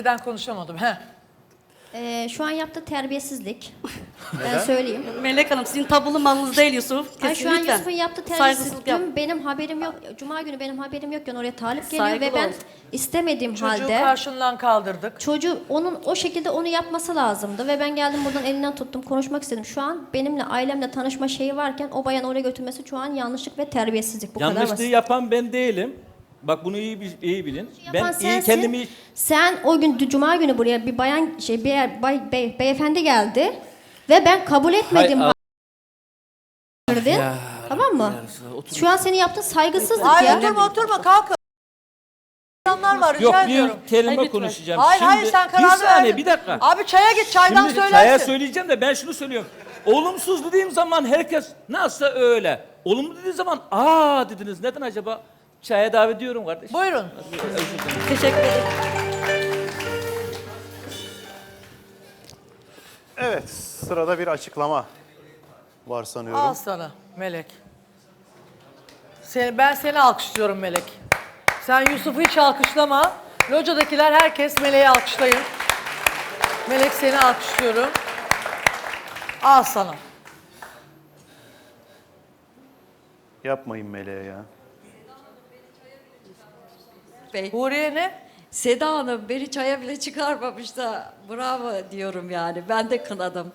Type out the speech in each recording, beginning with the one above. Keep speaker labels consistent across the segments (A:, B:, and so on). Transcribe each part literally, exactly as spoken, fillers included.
A: Neden konuşamadım? He.
B: Ee, şu an yaptığı terbiyesizlik. Ben söyleyeyim.
C: Melek Hanım sizin tabulu malınız değil Yusuf.
B: Ay, şu an
C: Kesinlikle.
B: Yusuf'un yaptığı
C: Saygısızlık
B: terbiyesizlik.
C: yap.
B: Dün benim haberim yok. Cuma günü benim haberim yokken oraya talip geliyor
C: Saygılı
B: ve ben
C: ol.
B: istemediğim
A: Çocuğu
B: halde
A: karşından kaldırdık.
B: çocuğu onun o şekilde onu yapması lazımdı ve ben geldim buradan elinden tuttum konuşmak istedim. Şu an benimle ailemle tanışma şeyi varken o bayanı oraya götürmesi şu an yanlışlık ve terbiyesizlik. Bu kadar
D: Yanlışlığı
B: basit.
D: yapan ben değilim. Bak bunu iyi bil- iyi bilin.
B: Yapan
D: Ben iyi
B: sensin.
D: kendimi
B: Sen o gün Cuma günü buraya bir bayan şey bir bay, bey- beyefendi geldi ve ben kabul etmedim.
D: Hay-
B: Hayır,
D: Ya,
B: tamam mı?
D: ya, otur.
B: Şu an senin yaptığın saygısızlık
A: Hayır
B: ya.
A: oturma oturma kalkın. İnsanlar var rica
D: Yok
A: ediyorum.
D: bir kelime
C: Hayır, lütfen.
D: konuşacağım.
A: Hayır
D: Şimdi,
A: hayır sen
D: bir
A: kararını
D: saniye
A: verdin.
D: bir dakika.
A: Abi çaya git çaydan
D: Şimdi
A: söylersin.
D: çaya söyleyeceğim de ben şunu söylüyorum. Olumsuz dediğim zaman herkes nasıl öyle. Olumlu dediğim zaman aa dediniz. Neden acaba? Çaya davet ediyorum kardeşim.
A: Buyurun.
C: Teşekkür ederim.
E: Evet, sırada bir açıklama var sanıyorum.
A: Al sana Melek. Seni, ben seni alkışlıyorum Melek. Sen Yusuf'u hiç alkışlama. Locadakiler herkes Melek'i alkışlayın. Melek seni alkışlıyorum. Al sana.
E: Yapmayın Meleğe ya.
F: Bey.
A: Huriye ne?
F: Seda Hanım beni çaya bile çıkarmamış da bravo diyorum yani. Ben de kınadım.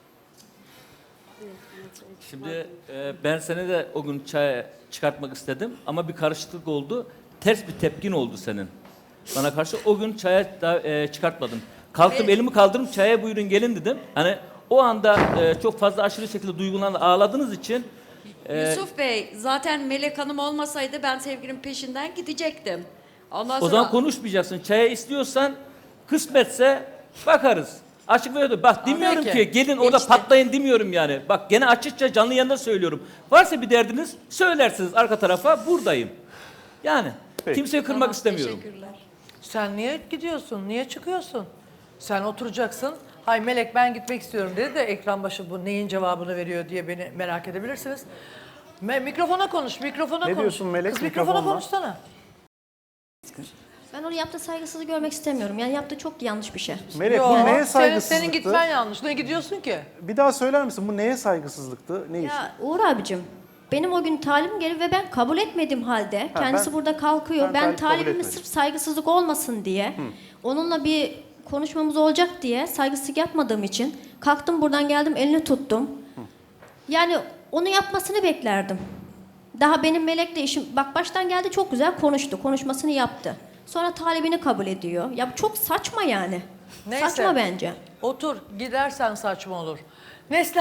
D: Şimdi e, ben seni de o gün çaya çıkartmak istedim ama bir karışıklık oldu. Ters bir tepkin oldu senin. Bana karşı o gün çaya da, e, çıkartmadım. Kalktım elimi kaldırdım çaya buyurun gelin dedim. Hani o anda e, çok fazla aşırı şekilde duygulanıp ağladığınız için e,
F: Yusuf Bey zaten Melek Hanım olmasaydı ben sevgilimin peşinden gidecektim. Ondan
D: o
F: sonra
D: zaman konuşmayacaksın. Çaya istiyorsan kısmetse bakarız. Açık ve öyle. Bak demiyorum
A: Peki.
D: ki gelin orada
F: İşte.
D: patlayın demiyorum yani. Bak gene açıkça canlı yayında söylüyorum. Varsa bir derdiniz söylersiniz arka tarafa buradayım. Yani
E: Peki.
D: kimseyi kırmak
F: Tamam,
D: istemiyorum.
F: Teşekkürler.
A: Sen niye gidiyorsun? Niye çıkıyorsun? Sen oturacaksın. Hay Melek ben gitmek istiyorum dedi de ekran başı bu neyin cevabını veriyor diye beni merak edebilirsiniz. Me- mikrofona konuş, mikrofona
E: Ne
A: konuş.
E: diyorsun Melek,
A: Kız mikrofona
E: mikrofonla?
A: konuşsana.
B: Ben onu yaptığı saygısızlığı görmek istemiyorum. Yani yaptığı çok yanlış bir şey.
E: Melek
A: Yo,
E: bu neye
A: senin,
E: saygısızlıktı?
A: senin gitmen yanlış. Ne gidiyorsun ki?
E: Bir daha söyler misin? Bu neye saygısızlıktı? Ne iş?
B: Ya Uğur abicim, benim o gün talibim geldi ve ben kabul etmedim halde.
E: Ha,
B: Kendisi
E: ben-
B: burada kalkıyor.
E: ben
B: Ben,
E: talip kabul
B: talibime
E: etmedim.
B: sırf saygısızlık olmasın diye, onunla bir konuşmamız olacak diye saygısızlık yapmadığım için kalktım buradan geldim elini tuttum. Yani onu yapmasını beklerdim. Daha benim Melek'le işim, bak baştan geldi çok güzel konuştu, konuşmasını yaptı. Sonra talibini kabul ediyor. Ya bu çok saçma yani.
A: Neyse.
B: Saçma bence.
A: Otur, gidersen saçma olur. Neslihan